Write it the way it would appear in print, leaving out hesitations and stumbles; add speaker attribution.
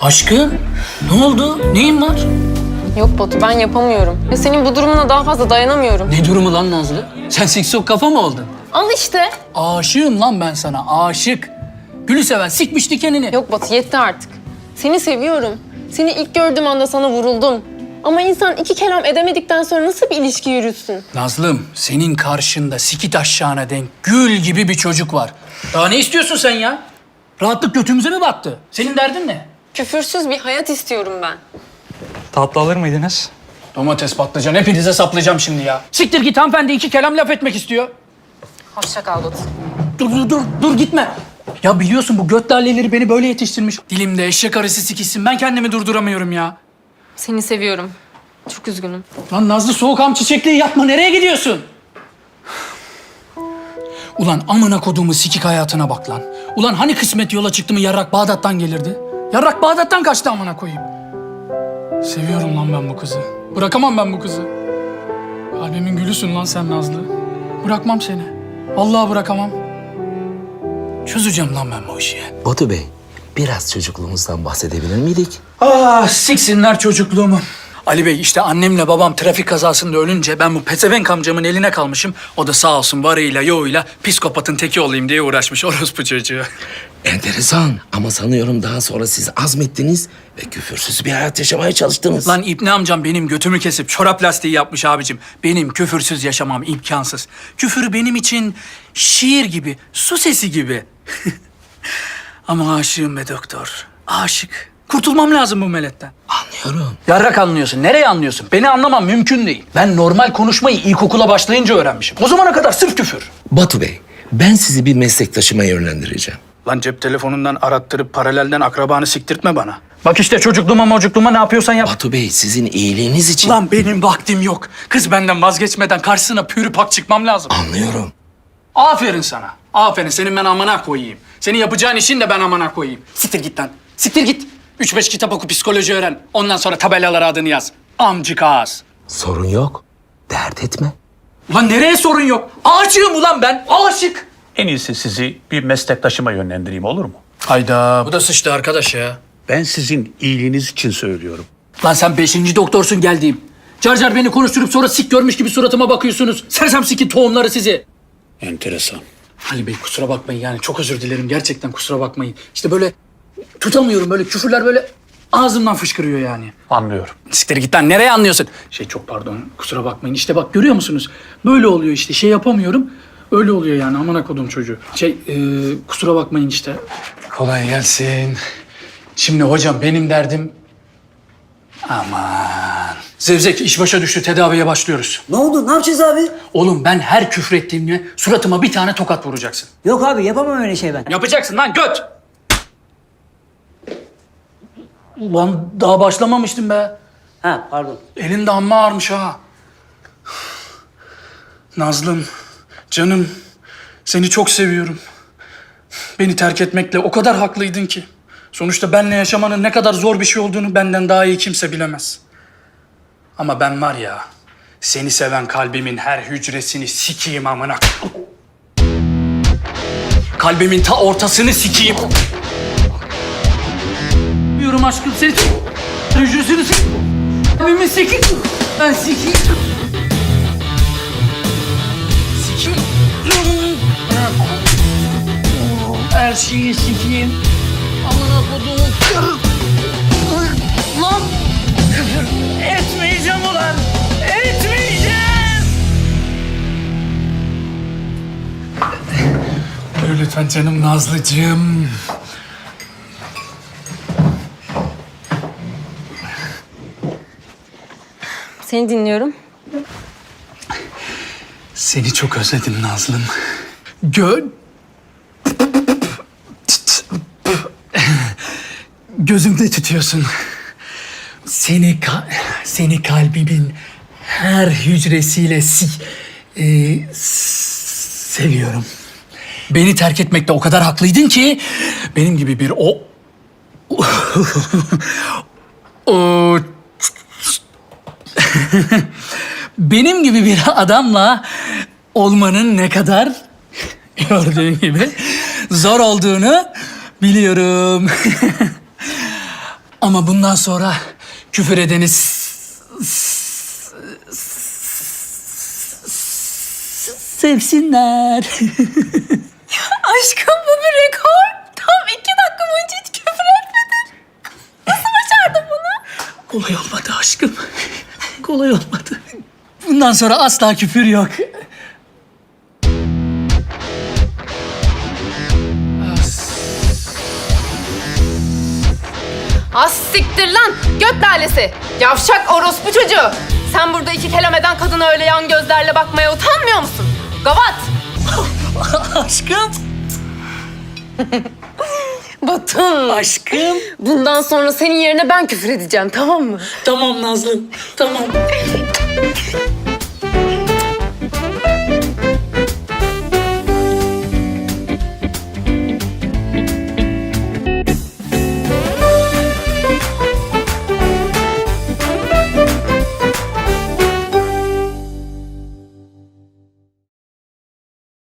Speaker 1: Aşkım, ne oldu? Neyin var?
Speaker 2: Yok Batu, ben yapamıyorum. Ya senin bu durumuna daha fazla dayanamıyorum.
Speaker 1: Ne durumu lan Nazlı? Sen siksok kafa mı oldun?
Speaker 2: Al işte.
Speaker 1: Aşığım lan ben sana, aşık. Gülü seven sikmiş dikenini.
Speaker 2: Yok Batu, yetti artık. Seni seviyorum. Seni ilk gördüğüm anda sana vuruldum. Ama insan iki kelam edemedikten sonra nasıl bir ilişki yürütsün?
Speaker 1: Nazlım, senin karşında sikit aşağına denk gül gibi bir çocuk var. Daha ne istiyorsun sen ya? Rahatlık götümüze mi battı? Senin derdin ne?
Speaker 2: Küfürsüz bir hayat istiyorum ben.
Speaker 3: Tatlı alır mıydınız?
Speaker 1: Domates, patlıcan, hepinize saplayacağım şimdi ya. Siktir git, hanımefendi iki kelam laf etmek istiyor.
Speaker 2: Hoşça kal Batu.
Speaker 1: Dur gitme. Ya biliyorsun bu göt laleleri beni böyle yetiştirmiş. Dilimde eşek arısı sikişsin, ben kendimi durduramıyorum ya.
Speaker 2: Seni seviyorum. Çok üzgünüm.
Speaker 1: Lan Nazlı, soğukam çiçekliği yapma, nereye gidiyorsun? Ulan amına koduğumu sikik hayatına bak lan. Ulan hani kısmet yola çıktı mı yarrak Bağdat'tan gelirdi? Yarrak Bağdat'tan kaçtı amına koyayım. Seviyorum lan ben bu kızı. Bırakamam ben bu kızı. Kalbimin gülüsün lan sen Nazlı. Bırakmam seni. Vallahi bırakamam. Çözeceğim lan ben bu işi.
Speaker 4: Batu Bey, biraz çocukluğumuzdan bahsedebilir miydik?
Speaker 1: Ah, siksinler çocukluğumu. Ali Bey, işte annemle babam trafik kazasında ölünce ben bu pezevenk amcamın eline kalmışım. O da sağ olsun varıyla yoğuyla psikopatın teki olayım diye uğraşmış orospu çocuğu.
Speaker 4: Enteresan ama sanıyorum daha sonra siz azmettiniz ve küfürsüz bir hayat yaşamaya çalıştınız.
Speaker 1: Lan İbni amcam benim götümü kesip çorap lastiği yapmış abicim. Benim küfürsüz yaşamam imkansız. Küfür benim için şiir gibi, su sesi gibi. Ama aşığım be doktor, aşık. Kurtulmam lazım bu meletten.
Speaker 4: Anlıyorum.
Speaker 1: Yarrak anlıyorsun. Nereye anlıyorsun? Beni anlamam mümkün değil. Ben normal konuşmayı ilkokula başlayınca öğrenmişim. O zamana kadar sırf küfür.
Speaker 4: Batu Bey, ben sizi bir meslektaşıma yönlendireceğim.
Speaker 1: Lan cep telefonundan arattırıp paralelden akrabanı siktirtme bana. Bak işte çocukluğuma ne yapıyorsan yap.
Speaker 4: Batu Bey, sizin iyiliğiniz için...
Speaker 1: Lan benim vaktim yok. Kız benden vazgeçmeden karşısına pürü pak çıkmam lazım.
Speaker 4: Anlıyorum.
Speaker 1: Aferin sana. Aferin. Senin ben amına koyayım. Senin yapacağın işin de ben amına koyayım. Siktir git lan. Siktir git. 3-5 kitap oku, psikoloji öğren. Ondan sonra tabelalara adını yaz. Amcık ağız.
Speaker 4: Sorun yok. Dert etme.
Speaker 1: Ulan nereye sorun yok? Aşığım ulan ben. Aşık.
Speaker 5: En iyisi sizi bir meslektaşıma yönlendireyim, olur mu?
Speaker 1: Hayda. Bu da sıçtı arkadaş ya.
Speaker 5: Ben sizin iyiliğiniz için söylüyorum.
Speaker 1: Lan sen 5. doktorsun geldiğim. Car car beni konuşturup sonra sik görmüş gibi suratıma bakıyorsunuz. Sersem sikin tohumları sizi.
Speaker 5: Enteresan.
Speaker 1: Ali Bey kusura bakmayın yani çok özür dilerim. Gerçekten kusura bakmayın. İşte böyle tutamıyorum, böyle küfürler böyle ağzımdan fışkırıyor yani.
Speaker 5: Anlıyorum.
Speaker 1: Siktir git lan, nereye anlıyorsun? Çok pardon, kusura bakmayın. İşte bak görüyor musunuz? Böyle oluyor işte, şey yapamıyorum. Öyle oluyor yani, amına kodum çocuğu. Kusura bakmayın işte. Kolay gelsin. Şimdi hocam benim derdim... Aman. Zevzek iş başa düştü, tedaviye başlıyoruz.
Speaker 6: Ne oldu? Ne yapacağız abi?
Speaker 1: Oğlum ben her küfür ettiğimde suratıma bir tane tokat vuracaksın.
Speaker 6: Yok abi yapamam öyle şey ben.
Speaker 1: Yapacaksın lan göt! Ulan daha başlamamıştım be.
Speaker 6: Ha pardon.
Speaker 1: Elin de amma ağırmış ha. Nazlım, canım, seni çok seviyorum. Beni terk etmekle o kadar haklıydın ki. Sonuçta benle yaşamanın ne kadar zor bir şey olduğunu benden daha iyi kimse bilemez. Ama ben var ya, seni seven kalbimin her hücresini sikeyim amına. Kalbimin ta ortasını sikeyim. Diyorum aşkım seni. Hücresini sikeyim. Kalbimi sikeyim. Ben sikeyim. Sikeyim. Her şeyi sikeyim. Amına koduğum kır. Lan. Etmeyeceğim ulan. Etmeyeceğim. Buyur lütfen canım Nazlıcığım.
Speaker 2: Seni dinliyorum.
Speaker 1: Seni çok özledim Nazlım. Gözümde tutuyorsun. Seni kalbimin her hücresiyle seviyorum. Beni terk etmekte o kadar haklıydın ki benim gibi bir o benim gibi bir adamla olmanın ne kadar gördüğün gibi zor olduğunu biliyorum. Ama bundan sonra küfür edeni sevsinler.
Speaker 2: Aşkım bu bir rekor. Tam 2 dakika boyunca hiç küfür etmedin. Nasıl başardın bunu?
Speaker 1: Kolay olmadı aşkım. Kolay olmadı. Bundan sonra asla küfür yok.
Speaker 2: Az siktir lan göt lalesi. Yavşak orospu çocuğu. Sen burada 2 kelam eden kadına öyle yan gözlerle bakmaya utanmıyor musun? Gavat.
Speaker 1: Aşkım.
Speaker 2: Batın.
Speaker 1: Aşkım.
Speaker 2: Bundan sonra senin yerine ben küfür edeceğim, tamam mı?
Speaker 1: Tamam Nazlım. Tamam.